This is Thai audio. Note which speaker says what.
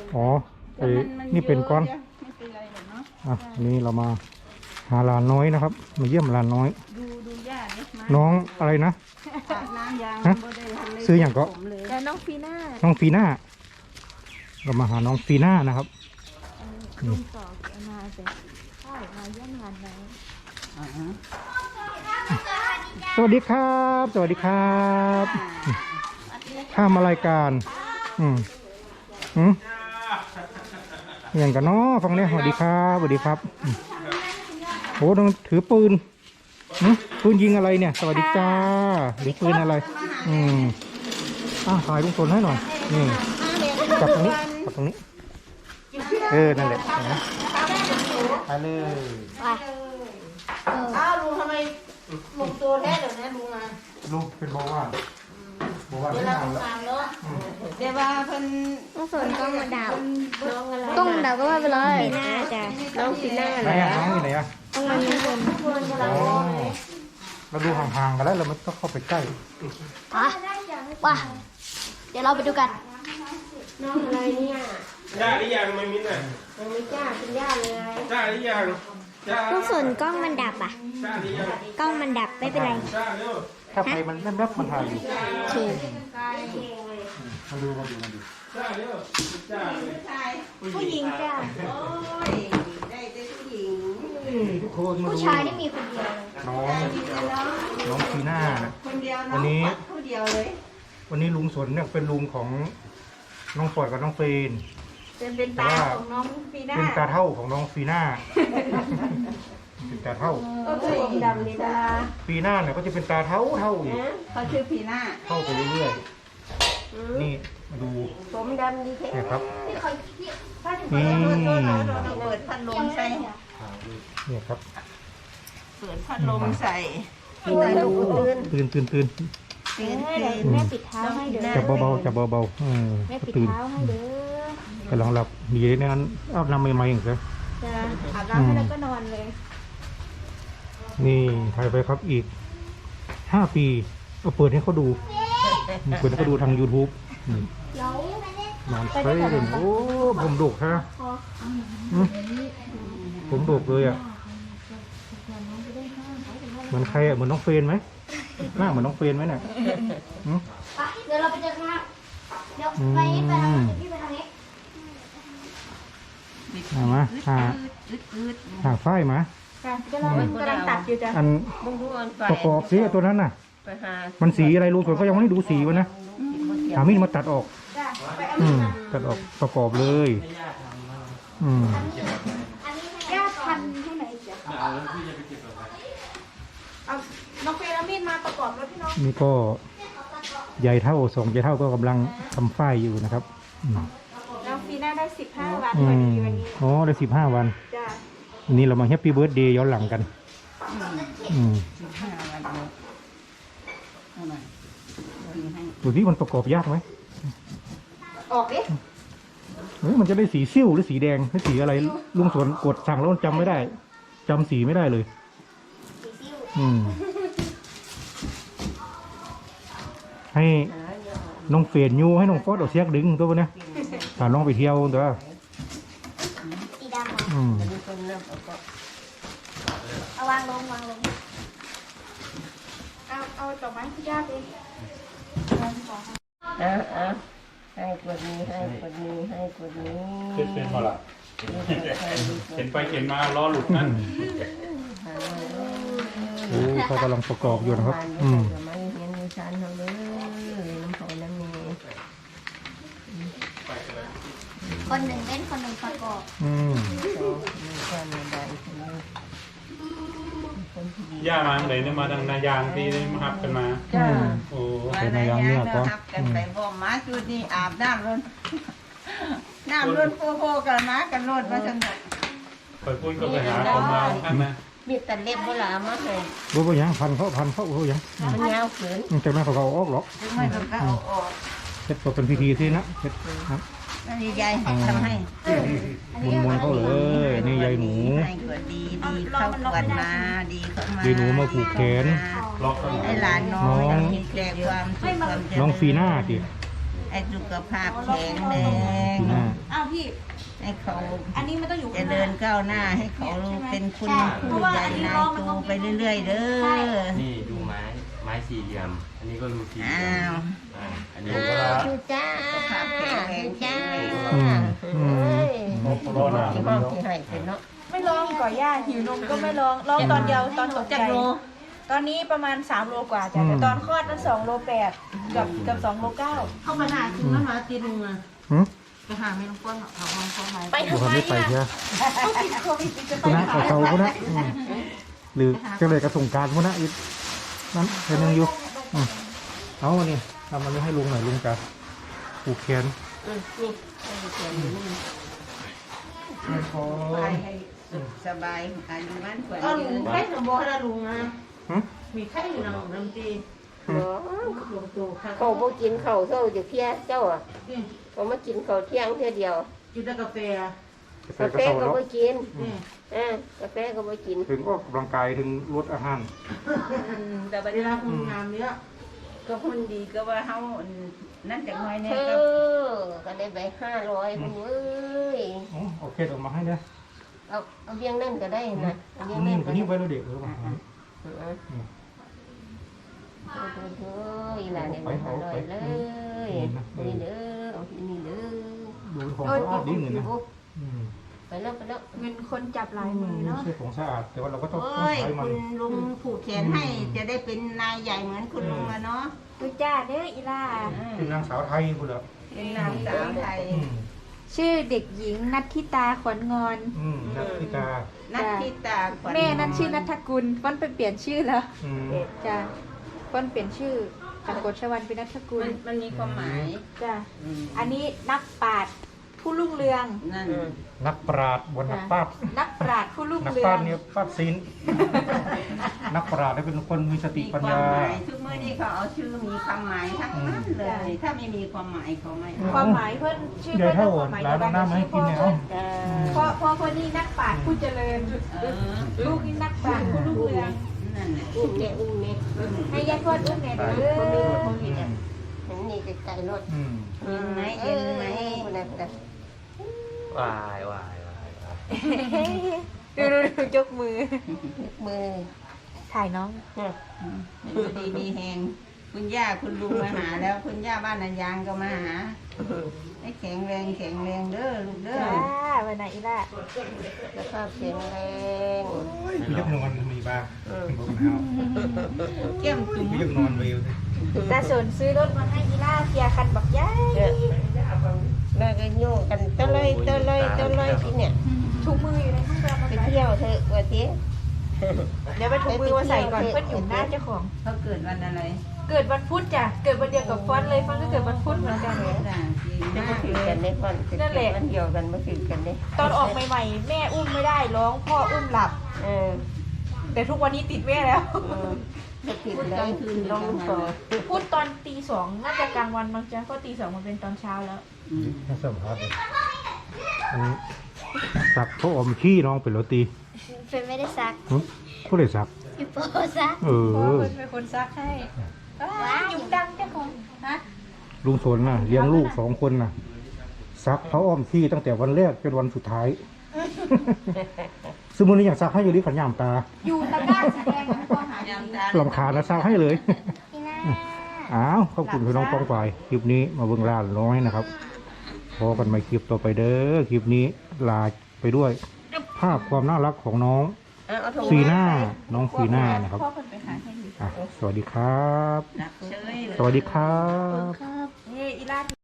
Speaker 1: อ๋อนี่เป็นก้อนอ่ะนี่เรามาหาหลานน้อยนะครับมาเยี่ยมหลานน้อย
Speaker 2: ดูย่าเนี่ยมา
Speaker 1: น้องอะไรนะ
Speaker 2: น้ำยาง
Speaker 1: ฮะซื้ออย่างก็
Speaker 2: แล้วน้องฟีน่า
Speaker 1: น้องฟีน่าเรามาหาน้องฟีน่านะครับ
Speaker 2: ลุงต่อเกี่ยวมาแต่ใช่มาเยี่ยมหลานน้อย
Speaker 1: สวัสดีครับสวัสดีครับข้ามารายการอย่างกันเนาะฟังเนี่ยสวัสดีครับสวัสดีครับโหต้องถือปืนปืนยิงอะไรเนี่ยสวัสดีจ้าหรือปืนอะไรถ่ายลุงพลให้หน่อยนี่จับตรงนี้จับตรงนี้นั่นแหละนะไปเลย
Speaker 2: อ้าวลุงทำไมลุงตัวแท้เดี๋ยวนี้ลุงมา
Speaker 1: ลุงเป็นบอกว่าไม่นานแล้ว
Speaker 2: เดี๋ยวว่าเพิ่น
Speaker 3: ต้องสนกล้องมาดาวกล้องดาวก็ว่าไปเลย
Speaker 2: ฟีน่าจ้ะน้องฟีน่า
Speaker 1: ไหนน้องอยู่ไหน
Speaker 3: ต้องมาที่บน
Speaker 1: เราดูห่างๆกันแล้วเราไม่ต้องเข้าไปใกล้
Speaker 3: ว่าเดี๋ยวเราไปดูกัน
Speaker 2: น้องอะไรเนี่ย
Speaker 4: จ้าหรือยังไม่มิ้นอ่ะ
Speaker 2: ยังไม่จ้าเป็นย่าเลย
Speaker 4: จ้าหรือยัง
Speaker 3: ต้องสนกล้องมันดับอ่ะกล้องมันดับไม่เป็นไร
Speaker 1: ถ้าไฟมันแนบมันถ่ายอยู่
Speaker 3: ถูก
Speaker 1: มาดู
Speaker 3: ผู้หญิงจ้า
Speaker 2: ได้ผู้หญิง
Speaker 1: ทุกคนมาดู
Speaker 3: ผู้ชายนี่มีคนเดียว
Speaker 1: น้องฟีน่านะ
Speaker 2: คนเดียว
Speaker 1: วันนี้
Speaker 2: ผู้เดียวเลย
Speaker 1: วันนี้ลุงสนเนี่ยเป็นลุงของน้องฟอร์ดกับน้องเฟน
Speaker 2: เป็นตาของน้องฟีน่า
Speaker 1: เป็นตาเท่าของน้องฟีน่าเป็นตาเท่า
Speaker 2: ก็คือผมดำนี่ดา
Speaker 1: ฟีน่าเนี่ยก็จะเป็นตาเท่าอีก
Speaker 2: เขาชื่อฟีน่า
Speaker 1: เท่าไปเรื่อยๆนี่มาดู
Speaker 2: ผมดำดีแค่
Speaker 1: นี่ครับ
Speaker 2: นี่เปิดพัดลมใส่
Speaker 1: เนี่ยครับ
Speaker 2: เปิดพัดลมใส่
Speaker 1: ตื่น
Speaker 3: แม่ปิดเท้าให้เด้อ
Speaker 1: จับเบาๆจับเบา
Speaker 3: แม่ปิดเท้าให้เด้อก
Speaker 1: ำลังหลับดีในนั้นอาบน้ำใหม่ๆอย่างเงี้ย
Speaker 3: อาบน้ำให้แล้วก็นอนเลย
Speaker 1: นี่ถ่ายไปครับอีก5 ปีเอาเปิดให้เขาดูทาง YouTube นอนเฟ้ยเลยโอ้ผมดุฮะผมดุเลยอ่ะเหมือนใครอ่ะเหมือนน้องเฟนไหมหน้าเหมือนน้องเฟนไหมเนี่ย
Speaker 3: เดี๋ยวเราไปเจอกันครับเดี๋ยวไปทางนี้พี่ไปทางนี้
Speaker 1: มาหาฝ้ายมา
Speaker 2: เรากำลังตัดอยู่จ้ะ
Speaker 1: อันประกอบสีตัวนั้นน่ะมันสีอะไรรู้ส่วนก็ยังไม่ได้ดูสีวะนะหามีดมาตัดออกตัดออกประกอบเลย
Speaker 3: ย่าพันที่ไหนจ๊ะ
Speaker 2: เอาน้องเฟรมีดมาประกอบรถพี่น้อง
Speaker 1: นี่ก็ใหญ่เท่า2 ใหญ่เท่าก็กำลังทำฝ้ายอยู่นะครับ
Speaker 2: น้องฟีน่าได้15 วันพอดีวันนี้
Speaker 1: อ๋อได้15 วัน
Speaker 2: จ้ะ
Speaker 1: วันนี้เรามาแฮปปี้เบิร์ธเดย์ย้อนหลังกัน
Speaker 2: 15 วัน
Speaker 1: ดูที่มันประกอบยากไหม
Speaker 2: ออกดิ
Speaker 1: มันจะได้สีซิ่วหรือสีแดงหรือสีอะไรลุงสวนกดสั่งแล้วจำไม่ได้จำสีไม่ได้เลยให้น้องเฟรนยูให้น้องฟอสเอาเสียกดึงตัวนี้พาน้องไปเที่ยวตัว
Speaker 3: สีดำเอาวางลง
Speaker 2: เอาต่อไม้ที่ยากเองให้กดนี้
Speaker 4: เป็นพอละเข็นไปเข็นมาล้อหลุดนั่น
Speaker 1: เขากำลังประกอบอยู่นะครับ
Speaker 3: คนหนึ่งเล่นคนหนึ่งประกอบ
Speaker 4: ย่ามาไหนเนี่ยมาทางนายางที่มาหับกันมาโอ้
Speaker 1: เป็นนายางเนี่ยก็
Speaker 2: กันไปบ่มมาจุดนี้อาบน้ำล้นโคกันมากันรถมาจังเลย
Speaker 4: ไปพูดก็ไปหาคนมาข้างนะ
Speaker 2: มีแต่เล็บโบราณมาเลย
Speaker 1: บ่ยังพันเขายัง
Speaker 2: มันยาวเกิน
Speaker 1: จากนั้นเขาเอาออกหรอก
Speaker 2: ไม่ต้องเอาออก
Speaker 1: เฮ็ดเป็นพิธีสินะเฮ็ดครับ
Speaker 2: นี่ยายทำให้
Speaker 1: มุนเขาเลยนี่ยายหนู
Speaker 2: ดีเข้าขวัญมาดีเข้ามาย
Speaker 1: ายหนูมาผูกแขน
Speaker 2: ไอ้หลานน้องแกความสุขความเจริญ
Speaker 1: น้องฟีน่าดิ
Speaker 2: ไอ้ให้สุขภาพแข็งแรง
Speaker 1: ปีหน้า
Speaker 3: อ้าวพี่
Speaker 2: ให้เขา
Speaker 3: อันนี้มันต้องอยู่
Speaker 2: เจ
Speaker 3: ข้างห
Speaker 2: ริ
Speaker 3: น้า
Speaker 2: ญก้าวหน้าให้เขาเป็นคุณผู้ใหญ่นายโตไปเรื่อยๆเด้อ
Speaker 5: นี่ดูไม้สี่เหลี่ยม อันนี้ก็รูสี่เหลี่
Speaker 2: อ้าย
Speaker 5: ม
Speaker 2: ว
Speaker 5: อันนี้ก็
Speaker 3: ชูจ้า
Speaker 2: สุขภาพแข็งแรงจ้า
Speaker 4: รอหนา
Speaker 2: ที่ห้องที่ให้เป็นเนาะ
Speaker 6: ไม่ลองก่อย่าหิวนมก็ไม่ลองลองตอนเดียวตอนตกใจตอนนี้ประมาณ3 โลกว่าจ้ะแต่ตอนคลอดนั้น2 โล 8กับ2 โล 9
Speaker 2: เข้ามาหาถึงแล้วมาตีนึงอ่ะ
Speaker 1: หืม
Speaker 2: ไปหาไม่ต้องก้นหรอกเอาห้องเข้ามา
Speaker 6: ไป
Speaker 1: ดู
Speaker 6: ทำ
Speaker 1: ความ
Speaker 6: ไม
Speaker 1: ไม่ไป
Speaker 6: อ่ะ
Speaker 1: เชียว
Speaker 6: เขาติดโควิดจะไป
Speaker 1: คุณนะ
Speaker 6: ขาย
Speaker 1: เขาคุณนะหรือจะเลยกระส่งการคุณนะอีกนั้นเป็นยังอยู่เอาวันนี้ทำมันนี้ให้ลุงหน่อยลุงจะผูกแขน
Speaker 2: ไปให้สุขสบายอายุมั่นขวัญ
Speaker 7: ก็
Speaker 2: ยื
Speaker 7: ลุง
Speaker 2: น
Speaker 7: ไข่หนูบอกให้ลุงนะ
Speaker 1: หืม
Speaker 7: มีไข่อยู่นะน้ำจี
Speaker 2: ลงตัวค่ะ
Speaker 8: เขาบ่กินข้าวเช้าจะเที่ยเจ้าอ่ะเขามากินข้าวเที่ยงเที่ยเดียว
Speaker 7: กินแต่กาแฟ
Speaker 8: กาแฟก็บ่กิน
Speaker 7: นี่
Speaker 8: กาแฟก็บ่กิน
Speaker 1: ถึงออกกำลังกายถึงลดอาหาร
Speaker 2: แต่บัด
Speaker 7: เว
Speaker 2: นี้
Speaker 7: ลาคุณงามเนี้ย
Speaker 2: ก็หุ่นดีก็ว่าเฮานั่นจากน้อย
Speaker 8: เอ
Speaker 2: แน่ก็
Speaker 8: ก็ได้ไป500พุ่นเว้ย
Speaker 1: โอเคออกมาให้เนี่ย
Speaker 8: เอาเบี้ยงนั่นก็ได้นะเอาเบี้ยง
Speaker 1: นี่
Speaker 8: นั่น
Speaker 1: ตัวนี้ไว้แล้วเด็กหรือเปล่า
Speaker 8: เฮ้ยหลานได้ไป500เลยนี่เด้อเอาที่นี่เด้อ
Speaker 1: ดูของสะอาดดีเงินนะ
Speaker 8: ไปแล้วไปแล้ว
Speaker 6: เงินคนจับหลายมือเนาะ
Speaker 1: ใช่ของสะอาดแต่ว่าเราก็ต้อง
Speaker 2: โอ้ย
Speaker 1: ใช้มัน
Speaker 2: คุณลุงผูกแขนให้จะได้เป็นนายใหญ่เหมือนคุณลุงอะเนาะ
Speaker 6: ดูจ้าเด้ออีล่า
Speaker 1: เป็นนางสาวไทยคุณเหรอ
Speaker 2: เป็นนางสาวไทย
Speaker 6: ชื่อเด็กหญิงนัทธิตาขวัญงอน
Speaker 1: นักพิกา
Speaker 2: นัทธิตาขวัญ
Speaker 6: แม่นั่นชื่อนัทกุลฟ้อนไปเปลี่ยนชื่อแล้ว
Speaker 1: อืม
Speaker 6: จ้ะฟ้อนเปลี่ยนชื่อจากกฎชวันเป็นนัทกุล
Speaker 2: มันมีความหมาย
Speaker 6: จ้ะอันนี้นักปราชญ์ผู้รุ่งเรือง
Speaker 2: นั่น
Speaker 1: นักปราชญ์บนนักปราชญ์
Speaker 6: นักปราชญ์ผู้รุ่ง
Speaker 1: นัก
Speaker 6: เรื
Speaker 1: ป
Speaker 6: อ
Speaker 1: ราง ชญ์เนี่ยปราชญ์ศิลป์นักปราชญ์เนี่ยเป็นคนมีสติ
Speaker 2: มี
Speaker 1: ปัญ
Speaker 2: ความ
Speaker 1: ญา
Speaker 2: หมายทุกเมื่อที่เขาเอาชื่อมีความหมายทั้งนั้นเลย ถ้าไม่มีความหมายเขาไม่เอา
Speaker 6: ความหมายเพื่อนชื่อ
Speaker 1: เดี๋ยว
Speaker 6: เพื่อน
Speaker 1: เท่า
Speaker 6: ความหมาย
Speaker 1: ร้า
Speaker 6: เดี
Speaker 1: น
Speaker 6: ยวกัน
Speaker 1: น้ำมาให้กินเนี่ยเอา
Speaker 6: พ่อคนนี้นักปราชญ์ผู้เจริญ ลูกนี่นักปราชญ์ผู้รุ่งเรือง
Speaker 2: นั่นแหละ
Speaker 8: อุ้มเนี่ยอุ้มเนี่ย
Speaker 6: ให้ยายทวดอุ้มแน่เด้
Speaker 8: คนนี้
Speaker 6: อ
Speaker 8: คนนี้เนี่ยเห็นนี่ไกลๆรถ
Speaker 2: เย็นไหมเย็นไหม
Speaker 8: คนนั้นแต่
Speaker 5: วายวายวาย
Speaker 6: ดูยกมือ
Speaker 8: มือ
Speaker 6: ถ่ายน้อง
Speaker 2: ดูดีมีแหงคุณย่าคุณลุงมาหาแล้ว คุณย่าบ้านนันยางก็มาหาให้แข็งแรงแข็งแรงเด้อลูกเด้อ
Speaker 6: จ้าวันไหนอีล่ะ
Speaker 8: สภาพแข็งแรง
Speaker 1: พี่ยักนอนมีบ้างบอกแล้ว
Speaker 2: เก้มจุ๋ม
Speaker 1: พี่ยักนอนเวล
Speaker 6: ตาสนซื้อรถมาให้อีล่าเคลียร์คันบักย้าย
Speaker 8: แล้วก็โยกกันตะเลยที่เนี่ย
Speaker 6: ถุงมืออยู่ในห้องเรามา
Speaker 8: ไป
Speaker 6: ไป
Speaker 8: เที่ยวเถอะวันที่
Speaker 6: เดี๋ยวไปถุงมือมาใส่ก่อนเพื่อนอยู่หน้าเจ้าของ
Speaker 2: เขาเกิดวันอะไร
Speaker 6: เกิดวันพุธจ้ะ เกิดวันเดียวกับฟอนต์เลยฟอนต์ก็เกิดวันพุธเหมือนกัน
Speaker 2: จ้ะจริง
Speaker 8: จะ
Speaker 2: มา
Speaker 8: มาก ถือ
Speaker 2: เล
Speaker 8: กั
Speaker 2: ย
Speaker 8: นได้ก่อนจะเกี่ยวกันเดียวกันมาถือกันได้
Speaker 6: ตอนออกใหม่ๆ แม่อุ้มไม่ได้ร้องพ่ออุ้มหลับ แต่ทุกวันนี้ติดแม่แล้ว
Speaker 8: จะผิดแล้วลองต่อ
Speaker 6: พูดตอนตี 2น่าจะกลางวันบางจ้ะก็ตี 2มันเป็นตอนเช้าแล้ว
Speaker 1: น่าสัมภาษณ์เลยอันนี้สักเขาอมขี้น้องเป็นโรตี
Speaker 3: เฟนไม่ได้ซัก
Speaker 1: ผู้ใดสัก
Speaker 3: พี่โปซัก
Speaker 1: เอ
Speaker 6: พ่อ
Speaker 1: อ
Speaker 6: เป็นคนซักให้ยุงดังเจ้าของฮะ
Speaker 1: ลุงสนน่ะเลี้ยงลูก2 คนน่ะซักเขาอ้อมขี้ตั้งแต่วันแรกจนวันสุดท้าย ซึ่งมื้อนี้อยากซักให้อยู่ที่ขันยามตา
Speaker 6: อยู่ตะกร้าสีแดงนะพ่อหา
Speaker 2: ยำตา
Speaker 1: ลำคาญนะซักให้เลย
Speaker 3: พี่น่า
Speaker 1: อ้าวขอบคุณพี่น้องป้องฝ่ายคลิปนี้มาเบิ่งลาน้อยนะครับพอกันใหม่คลิปต่อไปเด้อคลิปนี้ลาไปด้วยภาพความน่ารักของน้องฟีน่าน้องฟีน่านะครับ
Speaker 6: พ่อคนไปหาให้ดู
Speaker 1: สวัสดีครับ
Speaker 2: นักเชยเลย
Speaker 1: สวัสดีครับ
Speaker 3: ครับ
Speaker 6: นี่อีล่า